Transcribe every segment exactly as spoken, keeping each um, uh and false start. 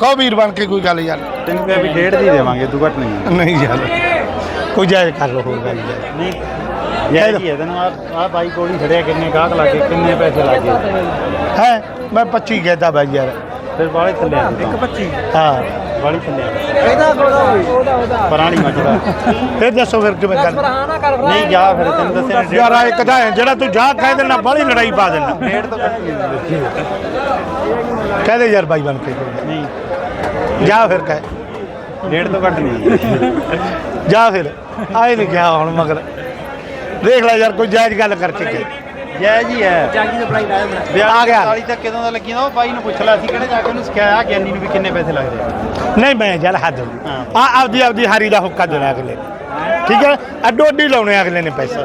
ਕਹੋ ਵੀਰ ਬਣ ਕੇ ਕੋਈ ਗੱਲ ਯਾਰ ਤੈਨੂੰ ਕਿਹਾ ਵੀ ਡੇਢ ਦੀ ਦੇਵਾਂਗੇ ਤੂੰ ਘੱਟ ਨਹੀਂ ਨਹੀਂ ਯਾਰ ਕੋਈ ਜਾਇਜ਼ ਕਰ ਲਓ ਹੋਰ ਗੱਲ ਯਾਰ ਨਹੀਂ ਯਾਰ ਕੀ ਹੈ ਤੈਨੂੰ ਆ ਆ ਬਾਈ ਕੋਲ ਹੀ ਖੜਿਆ ਕਿੰਨੇ ਗਾਹਕ ਲੱਗੇ ਕਿੰਨੇ ਪੈਸੇ ਲੱਗੇ ਹੈ ਮੈਂ ਪੱਚੀ ਕਹਿਦਾ ਬਾਈ ਯਾਰ ਫਿਰ ਬਾਲੇ ਥੱਲੇ ਆ ਇੱਕ ਪੱਚੀ ਹਾਂ ਬਾਲੀ ਥੱਲੇ ਆ ਇਹਦਾ ਉਹਦਾ ਉਹਦਾ ਪਰਾਣੀ ਮੱਚਦਾ ਫਿਰ ਦੱਸੋ ਫਿਰ ਕਿਵੇਂ ਗੱਲ ਨਹੀਂ ਜਾ ਫਿਰ ਤੈਨੂੰ ਦੱਸਿਆ ਯਾਰ ਆ ਇੱਕ ਤਾਂ ਹੈ ਜਿਹੜਾ ਤੂੰ ਜਾ ਕਹਿ ਦੇਣਾ ਬਾਹਲੀ ਲੜਾਈ ਪਾ ਦੇਣਾ ਡੇਢ ਤੋਂ ਘੱਟ ਨਹੀਂ ਦਿੰਦੇ ਕਹਦੇ ਯਾਰ ਬਾਈ ਬਣ ਕੇ ਨਹੀਂ ਜਾ ਫਿਰ ਕਹਿ ਡੇਢ ਤੋਂ ਘੱਟ ਨਹੀਂ ਜਾ ਫਿਰ ਆਏ ਨਹੀਂ ਕਿਹਾ ਹੁਣ ਮਗਰ ਦੇਖ ਲੈ ਯਾਰ ਕੋਈ ਜਾਇਜ਼ ਗੱਲ ਕਰਕੇ ਕਹਿ ਜੈ ਜੀ ਹੈ ਜਾਗੀ ਦਾ ਪ੍ਰਾਈਸ ਆਇਆ ਮੇਰਾ ਆ ਗਿਆ ਚਾਲੀ ਤੱਕ ਕਿਦੋਂ ਦਾ ਲੱਗੀ ਨਾ ਉਹ ਬਾਈ ਨੂੰ ਪੁੱਛ ਲਿਆ ਸੀ ਕਿਹੜੇ ਜਾ ਕੇ ਉਹਨੂੰ ਸਿਖਾਇਆ ਗਿਆਨੀ ਨੂੰ ਵੀ ਕਿੰਨੇ ਪੈਸੇ ਲੱਗਦੇ ਆ ਨਹੀਂ ਮੈਂ ਯਾਰ ਹੱਦ ਆ ਆਪਦੀ ਆਪਦੀ ਹਾਰੀ ਦਾ ਹੁੱਕਾ ਦੇਣਾ ਅਗਲੇ ਠੀਕ ਹੈ ਅੱਡੋ ਅੱਡੀ ਲਾਉਣੇ ਅਗਲੇ ਨੇ ਪੈਸੇ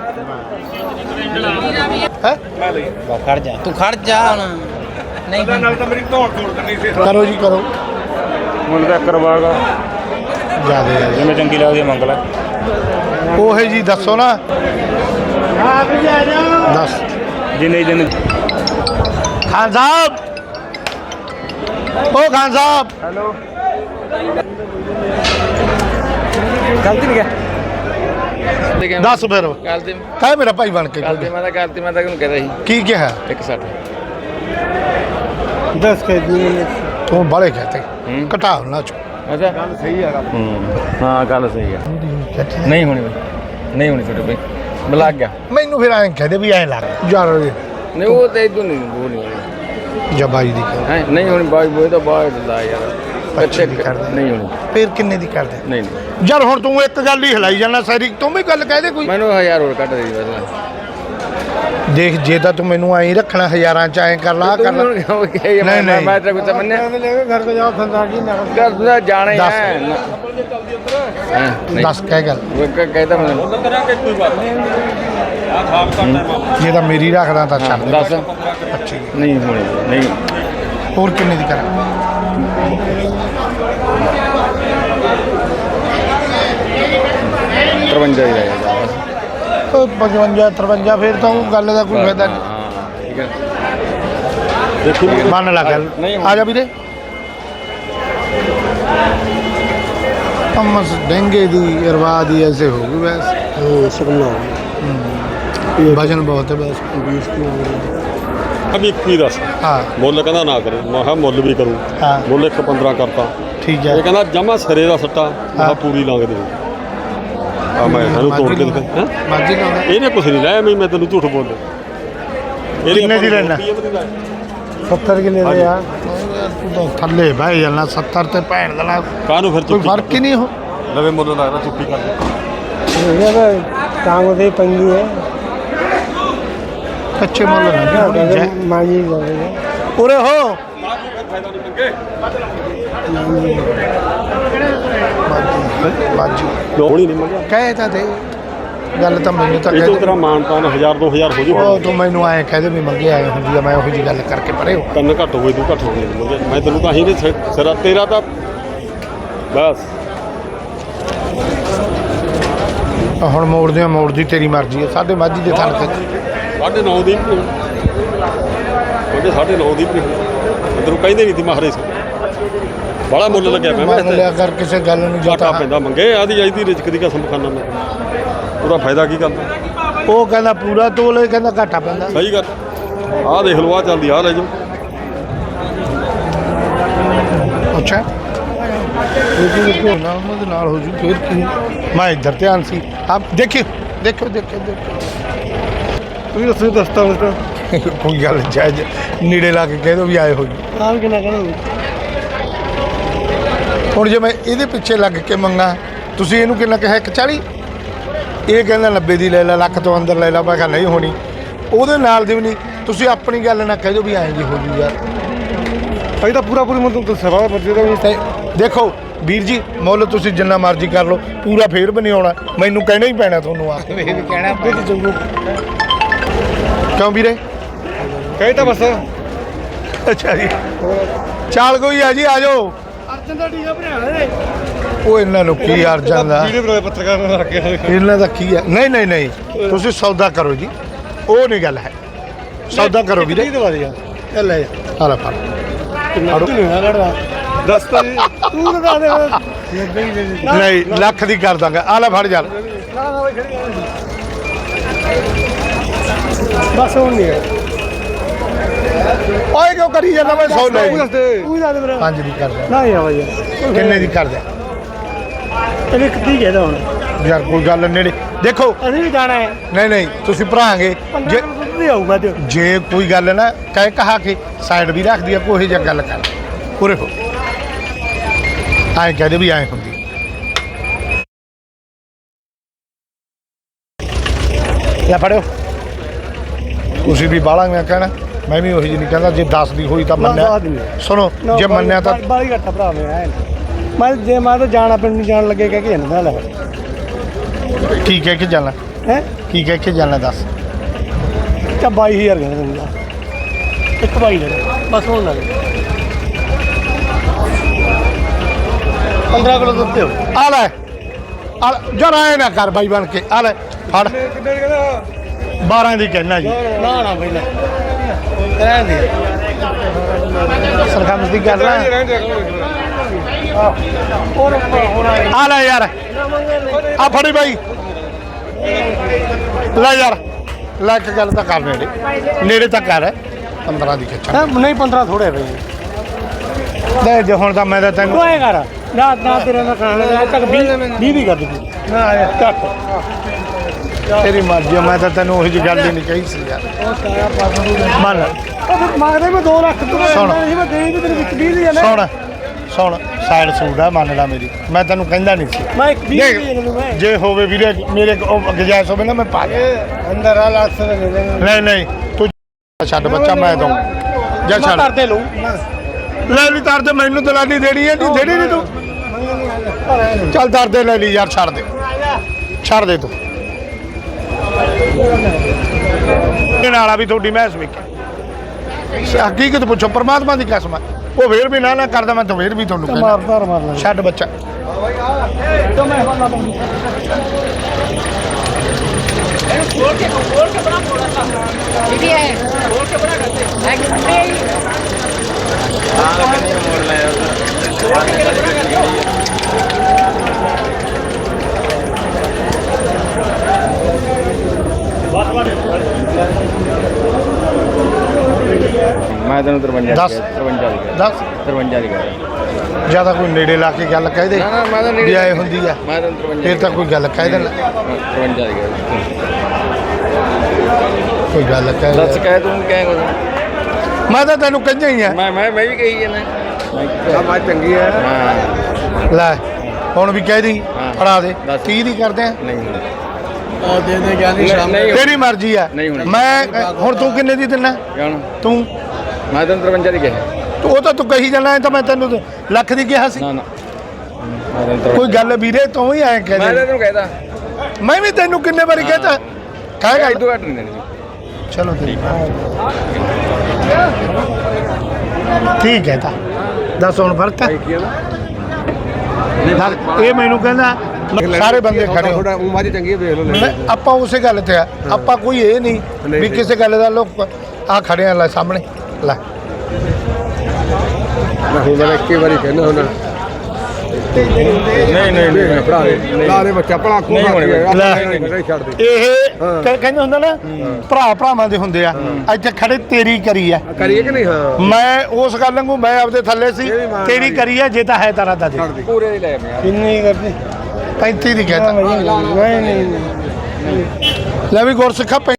ਹੈ ਖੜ ਜਾ ਤੂੰ ਖੜ ਜਾ ਹੁਣ ਨਹੀਂ ਨਾਲ ਤਾਂ ਮੇਰੀ ਧੌਣ ਤੋੜ ਕਰਨੀ ਸੀ ਕਰੋ ਜੀ ਕਰੋ ਮੁੱਲ ਦਾ ਕਰਵਾਗਾ ਜਿਆਦੇ ਯਾਰ ਜਿਵੇਂ ਚੰਗੀ ਲੱਗਦੀ ਮੰਗ ਲੈ ਉਹੇ ਜੀ ਦੱਸੋ ਨਾ ਆ ਵੀ ਜਾ ਜਾ ਦੱਸ ਜਿੰਨੇ ਦਿਨ ਖਾਨ ਸਾਹਿਬ ਓ ਖਾਨ ਸਾਹਿਬ ਹੈਲੋ ਗਲਤੀ ਨਹੀਂ ਗਿਆ ਦੱਸ ਫਿਰ ਕੱਲ ਤੇ ਕਾਹ ਮੇਰਾ ਭਾਈ ਬਣ ਕੇ ਕੱਲ ਤੇ ਮੈਂ ਤਾਂ ਕੱਲ ਤੇ ਮੈਂ ਤਾਂ ਉਹਨੂੰ ਕਹਿੰਦਾ ਸੀ ਕੀ ਕਿਹਾ ਇੱਕ ਸੱਠ ਦੱਸ ਕੇ ਤੂੰ ਬਾਲੇ ਕਹਤੇ ਹੂੰ। ਘਟਾ ਨਾ ਚੋ ਅੱਛਾ ਗੱਲ ਸਹੀ ਆ ਹਾਂ ਗੱਲ ਸਹੀ ਆ ਨਹੀਂ ਹੋਣੀ ਬਈ ਨਹੀਂ ਹੋਣੀ ਛੋਟੇ ਬਈ ਮੈਂ ਲੱਗ ਗਿਆ ਮੈਨੂੰ ਫਿਰ ਐਂ ਕਹਦੇ ਵੀ ਐਂ ਲੱਗ ਯਾਰ ਨਹੀਂ ਉਹ ਤੇ ਇਦੋਂ ਨਹੀਂ ਉਹ ਨਹੀਂ ਹੋਣੀ ਜਬਾਈ ਦੀ ਕਰ ਹੈ ਨਹੀਂ ਹੋਣੀ ਬਾਈ ਬੋਏ ਤਾਂ ਬਾਹਰ ਲਾ ਯਾਰ ਪੱਚੀ ਦੀ ਕਰ ਦੇ। ਨਹੀਂ ਹੋਣੀ ਫਿਰ ਕਿੰਨੇ ਦੀ ਕਰਦੇ ਨਹੀਂ ਨਹੀਂ ਯਾਰ ਹੁਣ ਤੂੰ ਇੱਕ ਗੱਲ ਹੀ ਹਿਲਾਈ ਜਾਣਾ ਸਾਰੀ ਤੂੰ ਵੀ ਗੱਲ ਕਹਿ ਦੇ ਕੋਈ ਮੈਨੂੰ ਹਜ਼ਾਰ ਹੋਰ ਕੱਢ ਦੇ ਬਸ ਦੇਖ ਜੇ ਤਾਂ ਤੂੰ ਮੈਨੂੰ ਐਂ ਰੱਖਣਾ ਹਜ਼ਾਰਾਂ ਚ ਐਂ ਕਰ ਲਾ ਆਹ ਕਰ ਲਾ ਨਹੀਂ ਨਹੀਂ, ਨਹੀਂ। ਮੈਂ ਤੇਰੇ ਕੋਲ ਮੰਨਿਆ ਘਰ ਤੋਂ ਜਾਓ ਖੰਦਾ ਕੀ ਨਾ ਘਰ ਦਾ ਜਾਣਾ ਹੀ ਦੱਸ। ਹੈ ਹਾਂ ਨਹੀਂ ਦੱਸ ਕਹਿ ਗੱਲ ਉਹ ਕ- ਕਹਿੰਦਾ ਮੈਨੂੰ ਜੇ ਤਾਂ ਮੇਰੀ ਰੱਖਦਾ ਤਾਂ ਛੱਡ ਦੇ ਦੱਸ ਪੱਚੀ ਨਹੀਂ ਹੋਣੀ ਨਹੀਂ ਹੋਰ ਕਿੰਨੇ ਦੀ ਕਰਾਂ ਤਰਵੰਜਾ ਹੀ ਰਹਿ ਗਿਆ ਬਸ ਉਹ ਪਚਵੰਜਾ ਤਰਵੰਜਾ ਫਿਰ ਤਾਂ ਉਹ ਗੱਲ ਦਾ ਕੋਈ ਫਾਇਦਾ ਨਹੀਂ ਹਾਂ ਠੀਕ ਹੈ ਦੇਖੀ ਮੰਨ ਲਾ ਗੱਲ ਨਹੀਂ, ਆ ਜਾ ਵੀਰੇ ਅਮਸ ਡੇਂਗੇ ਦੀ ਅਰਵਾ ਦੀ ਐਸੇ ਹੋ ਗਈ ਬਸ ਹਾਂ ਸੁਣਨਾ ਵਜਨ ਬਹੁਤ ਹੈ ਬਸ बीस किलो ਅਭੀ ਇੱਕੀ ਦੱਸ ਹਾਂ ਮੁੱਲ ਕਹਿੰਦਾ ਨਾ ਕਰੇ ਮੈਂ ਕਿਹਾ ਮੁੱਲ ਵੀ ਕਰੂ ਹਾਂ ਮੁੱਲ ਇੱਕ ਪੰਦਰਾਂ ਕਰਤਾ ਠੀਕ ਹੈ ਇਹ ਕਹਿੰਦਾ ਜਮਾ ਸਿਰੇ ਦਾ ਸੱਟਾ ਮੈਂ ਕਿਹਾ ਹਾਂ। ਪੂਰੀ ਲੰਘ ਦੇ ਆ ਮੈਂ ਇਹਨੂੰ ਤੋੜ ਕੇ ਦਿਖਾ ਹੈਂ? ਮਾਜੀ ਲਾਉਂਦਾ ਇਹਨੇ ਕੁਛ ਨਹੀਂ ਲਾਇਆ ਮੈਂ ਮੈਂ ਤੈਨੂੰ ਝੂਠ ਬੋਲ ਕਿੰਨੇ ਦੀ ਲੈਣਾ? ਸੱਤਰ ਕਿਲੇ ਦੇ ਯਾਰ ਤੂੰ ਤਾਂ ਥੱਲੇ ਬਹਿ ਜਾਣਾ ਸੱਤਰ ਤੇ ਭੈਣ ਦਾ ਲਾ ਕਾਹਨੂੰ ਫਿਰ ਕੋਈ ਚੁੱਕੀ ਫਰਕ ਹੀ ਨਹੀਂ ਹੋ ਲਵੇ ਮੁੱਲ ਲੱਗਦਾ ਚੁੱਕੀ ਕਰ काम दे पंगी है ਕੱਚੇ ਮੁੱਲ ਨਾ मांगी ਉਰੇ ਹੋ ਬਾਜੀ ਹੋਣੀ ਨਹੀਂ ਮੰਗਿਆ ਕਹੇ ਤਾਂ ਦੇ ਗੱਲ ਤਾਂ ਮੈਨੂੰ ਤਾਂ ਇਹ ਤੋਂ ਕਹਿ ਤੇਰਾ ਮਾਨ ਤਾਨ ਹਜ਼ਾਰ ਦੋ ਹਜ਼ਾਰ ਹੋ ਜੂ ਉਹ ਤੂੰ ਮੈਨੂੰ ਆਏ ਕਹਦੇ ਵੀ ਮੰਗੇ ਆਏ ਹੁੰਦੀ ਆ ਮੈਂ ਉਹੋ ਜੀ ਗੱਲ ਕਰਕੇ ਪਰੇ ਹੋ ਕੰਨ ਘੱਟ ਹੋਏ ਤੂੰ ਘੱਟ ਹੋ ਗਏ ਮੰਗਿਆ ਮੈਂ ਤੈਨੂੰ ਤਾਂ ਹੀ ਨਹੀਂ ਸਿ- ਸਿਰਾ ਤੇਰਾ ਤਾਂ ਬਸ ਹੁਣ ਮੋੜਦੇ ਆ ਮੋੜਦੀ ਤੇਰੀ ਮਰਜ਼ੀ ਹੈ ਸਾਡੇ ਮਾਝੀ ਦੇ ਥਣ ਤੇ ਸਾਢੇ ਨੌ ਦੀ ਵੀ ਉਹਦੇ ਸਾਢੇ ਨੌ ਦੀ ਵੀ ਤੈਨੂੰ ਕਹਿੰਦੇ ਨਹੀਂ ਸੀ ਮਹਾਰੇ ਸੀ ਬੜਾ ਮੁੱਲ ਲੱਗਿਆ ਮੈਂ ਮੰਨ ਲਿਆ ਕਰ ਕਿਸੇ ਗੱਲ ਨੂੰ ਘਾਟਾ ਜਤਾ ਪੈਂਦਾ ਮੰਗੇ ਆਦੀ ਆਈ ਦੀ ਰਿਜ਼ਕ ਦੀ ਕਸਮ ਖਾਨਾ ਮੈਂ ਉਹਦਾ ਫਾਇਦਾ ਕੀ ਕਰਦਾ ਉਹ ਕਹਿੰਦਾ ਪੂਰਾ ਤੋਲੇ ਕਹਿੰਦਾ ਘਾਟਾ ਪੈਂਦਾ ਸਹੀ ਗੱਲ ਆਹ ਦੇਖ ਲਓ ਆਹ ਚੱਲਦੀ ਆਹ ਲੈ ਜਾਓ ਅੱਛਾ ਨਾਲ ਉਹਦੇ ਨਾਲ ਹੋ ਜੂ ਫਿਰ ਕੀ ਮੈਂ ਇੱਧਰ ਧਿਆਨ ਸੀ ਆਪ ਦੇਖਿਓ ਦੇਖੋ ਦੇਖੋ ਦੇਖੋ तू उसने दस्ता उसका ਕੋਈ ਗੱਲ ਜਾਇਜ਼ ਨੇੜੇ ਲਾ ਕੇ ਕਹਿ ਦੋ ਵੀ ਆਏ ਹੋ ਜੀ काम के ना करो ਹੁਣ ਜੇ ਮੈਂ ਇਹਦੇ ਪਿੱਛੇ ਲੱਗ ਕੇ ਮੰਗਾ ਤੁਸੀਂ ਇਹਨੂੰ ਕਿੰਨਾ ਕਿਹਾ ਇੱਕ ਚਾਲੀ ਇਹ ਕਹਿੰਦਾ ਨੱਬੇ ਦੀ ਲੈ ਲੈ ਲੱਖ ਤੋਂ ਅੰਦਰ ਲੈ ਲੈ ਮੈਂ ਕਿਹਾ ਨਹੀਂ ਹੋਣੀ ਉਹਦੇ ਨਾਲ ਦੀ ਵੀ ਨਹੀਂ ਤੁਸੀਂ ਆਪਣੀ ਗੱਲ ਨਾ ਕਹਿ ਦਿਓ ਵੀ ਐਂ ਜੀ ਹੋ ਜੂ ਯਾਰ भाई तो पूरा पूरी मतलब तो सवा बच्चे का ਤੇ ਦੇਖੋ ਵੀਰ ਜੀ ਮੁੱਲ ਤੁਸੀਂ ਜਿੰਨਾ ਮਰਜ਼ੀ ਕਰ ਲਓ ਪੂਰਾ ਫੇਰ ਵੀ ਨਹੀਂ ਆਉਣਾ ਮੈਨੂੰ ਕਹਿਣਾ ਹੀ ਪੈਣਾ ਤੁਹਾਨੂੰ ਆ ਇਹ ਵੀ ਕਹਿਣਾ ਕਿਉਂ ਵੀਰੇ कही था बस ਅੱਛਾ ਜੀ ਚਾਲ ਕੋਈ ਆ ਜੀ ਆ ਜਾਓ अर्जन का टीका बनाया ਉਹ ਇਹਨਾਂ ਨੂੰ ਕੀ ਅਰਜਨ ਦਾ वीडियो बनाया पत्रकार ने रख के ਇਹਨਾਂ ਦਾ ਕੀ ਹੈ ਨਹੀਂ ਨਹੀਂ ਨਹੀਂ ਤੁਸੀਂ ਸੌਦਾ ਕਰੋ ਜੀ ਉਹ ਨਹੀਂ ਗੱਲ ਹੈ ਸੌਦਾ ਕਰੋ ਵੀਰੇ दवा दिया चल ले ਆ ਲੈ ਫੜ फड़ो नहीं है लड़ रहा ਦੱਸ ਤਾ ਜੀ ਤੂੰ ਲਗਾ ਦੇ ਨਾ ਨਹੀਂ ਲੱਖ ਦੀ ਕਰ ਦਾਂਗਾ ਆ ਲੈ ਫੜ ਜਾ ਨਾ ਬਈ ਖੜੀ ਬਸ ਹੁਣ ਨਹੀਂ ਹੈ ਓਏ ਕਿਉਂ ਕਰੀ ਜਾਂਦਾ ਮੈਂ ਸੌ ਲੈ ਤੂੰ ਦੱਸ ਦੇ ਤੂੰ ਦੱਸ ਦੇ ਮੇਰਾ ਪੰਜ ਦੀ ਕਰ ਦਿਆਂ। ਨਾ ਯਾ ਬਈ ਕਿੰਨੇ ਦੀ ਕਰ ਦਿਆਂ? ਇਹਨੇ ਕਿੱਥੇ ਕਹਿਦਾ ਹੁਣ ਯਾਰ ਕੋਈ ਗੱਲ ਨੇੜੇ ਦੇਖੋ ਅਸੀਂ ਵੀ ਜਾਣਾ ਹੈ ਨਹੀਂ ਨਹੀਂ ਤੁਸੀਂ ਭਰਾਂਗੇ ਪੰਦਰਾਂ ਜੇ ਕਿਲੋ ਦੁੱਧ ਨਹੀਂ ਆਊਗਾ ਤੇ ਜੇ ਕੋਈ ਗੱਲ ਨਾ ਕਹਿ ਕਹਾ ਕੇ ਸਾਈਡ ਵੀ ਰੱਖਦੀ ਆ ਕੋਈ ਜਿਹੀ ਗੱਲ ਕਰ ਪੂਰੇ ਹੋ ਆਏ ਕਹਦੇ ਵੀ ਆਏ ਹੁੰਦੀ ਲੈ ਫੜਿਓ ਤੁਸੀਂ ਵੀ ਬਾਲਾਂ ਮੈਂ ਕਹਿਣਾ ਮੈਂ ਵੀ ਉਹੀ ਜਿਹੀ ਨਹੀਂ ਕਹਿੰਦਾ ਜੇ ਦਸ ਦੀ ਹੋਈ ਤਾਂ ਮੰਨਿਆ ਸੁਣੋ ਜੇ ਮੰਨਿਆ ਤਾਂ ਬਾਲੀ ਘੱਟਾ ਭਰਾ ਮੈਂ ਮੈਂ ਜੇ ਮੈਂ ਤਾਂ ਜਾਣਾ ਪਿੰਡ ਨੂੰ ਜਾਣ ਲੱਗੇ ਕਹਿ ਕੇ ਜਾਂਦਾ ਲੈ ਕੀ ਕਹਿ ਕੇ ਜਾਣਾ ਹੈ ਕੀ ਕਹਿ ਕੇ ਜਾਣਾ ਦੱਸ ਚਾ ਬਾਈ ਹਜ਼ਾਰ ਕਹਿੰਦਾ ਦੂੰਗਾ ਇੱਕ ਬਾਈ ਲੈ ਬਸ ਹੁਣ ਲੱਗ ਪੰਦਰਾਂ ਕਿਲੋ ਦੁੱਧ ਦਿਓ ਆ ਲੈ ਆ ਲੈ, ਜਰਾ ਆਏ ਨਾ ਕਰ ਬਾਈ ਬਣ ਕੇ ਆ ਲੈ ਫੜ ਕਿੰਨੇ ਕਹਿੰਦਾ ਬਾਰਾਂ ਦੀ ਕਹਿਣਾ ਜੀ ਨਾ ਨਾ ਬਈ ਲੈ ਰਹਿਣ ਦੇ ਸਰਖਾਮਸ ਦੀ ਗੱਲ ਰਹਿਣ ਦੇ ਨਾ ਰਹਿਣ ਦੇ ਹੋਰ ਹੋਰ ਆ ਲੈ ਯਾਰ ਆ ਫੜੀ ਬਾਈ ਲੈ ਯਾਰ ਲੈ ਇੱਕ ਗੱਲ ਤਾਂ ਕਰ ਨੇੜੇ ਨੇੜੇ ਤਾਂ ਕਰ ਪੰਦਰਾਂ ਦੀ ਖਿੱਚਾ ਨਹੀਂ ਪੰਦਰਾਂ ਥੋੜੇ ਬਈ ਲੈ ਜੇ ਹੁਣ ਤਾਂ ਮੈਂ ਤਾਂ ਤੈਨੂੰ ਤੂੰ ਐ ਕਰ ਨਾ ਨਾ ਤੇਰੇ ਨਾਲ ਖਾਣਾ ਲੈ ਤੱਕ ਵੀਹ ਵੀ ਕਰ ਦੇ ਨਾ ਆ ਚੱਕ ਤੇਰੀ ਮਰਜ਼ੀ ਆ, ਮੈਂ ਤਾਂ ਤੈਨੂੰ ਉਹੀ ਜਿਹੀ ਗੱਲ ਹੀ ਨਹੀਂ ਕਹੀ ਸੀ ਯਾਰ ਮੰਨ ਉਹ ਫਿਰ ਮੰਗਦੇ ਮੈਂ ਦੋ ਲੱਖ ਤੂੰ ਸੁਣ। ਨਹੀਂ ਮੈਂ ਦੇਈ ਤੇ ਤੇਰੇ ਵਿੱਚ ਵੀਹ ਦੀ ਜਾਣਾ ਸੁਣ ਸੁਣ ਸਾਈਡ ਸੂਟ ਆ ਮੰਨ ਲਾ ਮੇਰੀ ਮੈਂ ਤੈਨੂੰ ਕਹਿੰਦਾ ਨਹੀਂ ਸੀ ਮੈਂ ਇੱਕ ਵੀਹ ਦੀ ਦੇਖ, ਦੇ ਮੈਂ ਜੇ ਹੋਵੇ ਵੀਰੇ ਮੇਰੇ ਕੋ ਗੁੰਜਾਇਸ਼ ਹੋਵੇ ਨਾ ਮੈਂ ਪਾ ਦੇ ਅੰਦਰ ਆ ਲੱਖ ਦੇ ਦੇ ਨਹੀਂ ਨਹੀਂ ਤੂੰ ਛੱਡ ਬੱਚਾ ਮੈਂ ਦਊਂ ਜਾ ਮੈਂ ਛੱਡ ਕਰਦੇ ਲਊ ਲੈ ਲਈ ਤਾਰ ਤੇ ਮੈਨੂੰ ਦਲਾਲੀ ਦੇਣੀ ਹੈ ਨਹੀਂ ਦੇਣੀ ਨਹੀਂ ਤੂੰ ਚੱਲ ਦਰ ਦੇ ਲੈ ਲਈ ਯਾਰ ਛੱਡ ਦੇ ਛੱਡ ਦੇ ਤੂੰ ਇਹ ਨਾਲਾ ਵੀ ਤੁਹਾਡੀ ਮਹਿਸ ਵੇਖੀ ਹਕੀਕਤ ਪੁੱਛੋ ਪਰਮਾਤਮਾ ਦੀ ਕਸਮ ਹੈ ਉਹ ਫੇਰ ਵੀ ਨਾ ਨਾ ਕਰਦਾ ਮੈਂ ਤਾਂ ਫੇਰ ਵੀ ਤੁਹਾਨੂੰ ਕਹਿੰਦਾ ਮਾਰਦਾ ਮਾਰ ਲੈ ਛੱਡ ਬੱਚਾ दीदी है बोल के बड़ा करते ਮੈਂ ਤੈਨੂੰ ਤਰਵੰਜਾ ਦੱਸ। ਤਰਵੰਜਾ ਦੀ ਦੱਸ ਤਰਵੰਜਾ ਦੀ ਕਰ ਜਿਆਦਾ ਕੋਈ ਨੇੜੇ ਲਾ ਕੇ ਗੱਲ ਕਹਿ ਦੇ ਨਾ ਨਾ ਮੈਂ ਤਾਂ ਵੀ ਨੇੜੇ ਆਏ ਹੁੰਦੀ ਆ ਮੈਂ ਤੈਨੂੰ ਤਰਵੰਜਾ ਫੇਰ ਤਾਂ ਕੋਈ ਗੱਲ ਕਹਿ ਦੇਣਾ ਤਰਵੰਜਾ ਦੀ ਕਰ ਕੋਈ ਗੱਲ ਕਹਿ ਦੱਸ ਦੇ। ਕਹਿ ਤੂੰ ਕਹਿ ਕੁਝ ਮੈਂ ਤਾਂ ਤੈਨੂੰ ਕਹਿੰਦਾ ਹੀ ਆ ਮੈਂ ਮੈਂ ਮੈਂ ਵੀ ਕਹੀ ਜਾਂਦਾ ਆ ਬਾਤ ਚੰਗੀ ਹੈ ਹਾਂ ਲੈ ਹੁਣ ਵੀ ਕਹਿ ਦੀ ਹਾਂ। ਫੜਾ ਦੇ ਦੱਸ। ਤੀਹ ਦੀ ਕਰਦੇ ਆ ਨਹੀਂ ਆ ਦੇ ਦੇ ਗਿਆ ਨਹੀਂ ਨਹੀਂ ਤੇਰੀ ਮਰਜ਼ੀ ਆ ਨਹੀਂ ਹੋਣੀ। ਮੈਂ ਹੁਣ ਤੂੰ ਕਿੰਨੇ ਦੀ ਦਿੰਨਾ ਜਾਣ ਤੂੰ ਮੈਂ ਤੈਨੂੰ ਤਰਵੰਜਾ ਦੀ ਕਿਹਾ ਤੂੰ ਉਹ ਤਾਂ ਤੂੰ ਕਹੀ ਜਾਣਾ ਇਹ ਤਾਂ ਮੈਂ ਤੈਨੂੰ ਤੇ ਲੱਖ ਦੀ ਕਿਹਾ ਸੀ ਨਾ ਨਾ ਮੈਂ ਤੈਨੂੰ ਕੋਈ ਤਰਵੰਜਾ ਗੱਲ ਵੀਰੇ ਤੂੰ ਹੀ ਐਂ ਕਹਿ ਮੈਂ ਤਾਂ ਦੇ ਤੈਨੂੰ ਕਹਿਦਾ ਮੈਂ ਵੀ ਤੈਨੂੰ ਕਿੰਨੇ ਵਾਰੀ ਕਹਤਾ ਕਹੇਗਾ ਇਦੋਂ ਘੱਟ ਨਹੀਂ ਦੇਣੀ ਚਲੋ ਠੀਕ ਠੀਕ ਹੈ ਤਾਂ ਦੱਸ ਹੁਣ ਫਰਕ ਹੈ ਦੱਸ, ਇਹ ਮੈਨੂੰ ਕਹਿੰਦਾ ਸਾਰੇ ਬੰਦੇ ਖੜੇ ਹੋ ਉਹ ਮਾਜੀ ਚੰਗੀ ਹੈ ਵੇਖ ਲਓ ਮੈਂ- ਆਪਾਂ ਉਸੇ ਗੱਲ ਤੇ ਆ ਆਪਾਂ ਕੋਈ ਇਹ ਨਹੀਂ ਵੀ ਕਿਸੇ ਗੱਲ ਦਾ ਲੋਕ ਆ ਖੜੇ ਆ ਲੈ ਸਾਹਮਣੇ ਲੈ ਮੈਂ ਹੁਣ ਮੈਂ ਇੱਕੇ ਵਾਰੀ ਕਹਿਣਾ ਹੁਣ ਨਹੀਂ ਨਹੀਂ ਨਹੀਂ ਭਰਾ ਦੇ ਲਾ ਦੇ ਬੱਚਾ ਭਲਾ ਕੋ ਨਹੀਂ ਹੋਣੀ ਲੈ। ਛੱਡ ਦੇ ਇਹ ਕ- ਕਹਿੰਦੇ ਹੁੰਦਾ ਨਾ ਭਰਾ ਭਰਾਵਾਂ ਦੇ ਹੁੰਦੇ ਆ ਇੱਥੇ ਖੜੇ ਤੇਰੀ ਕਰੀ ਆ ਕਰੀਏ ਕਿ ਨਹੀਂ ਹਾਂ ਮੈਂ ਉਸ ਗੱਲ ਨੂੰ ਮੈਂ ਆਪਦੇ ਥੱਲੇ ਸੀ ਤੇਰੀ ਕਰੀ ਆ ਜੇ ਤਾਂ ਹੈ ਤਾਰਾ ਦਾ ਦੇ ਪੂਰੇ ਦੀ ਲੈ ਮੈਂ ਕਿੰਨੀ ਕਰਦੇ ਪੈਂਤੀ ਦੀ ਕਹਿਤਾ ਨਹੀਂ ਨਹੀਂ ਲੈ ਵੀ ਗੁਰਸਿੱਖਾ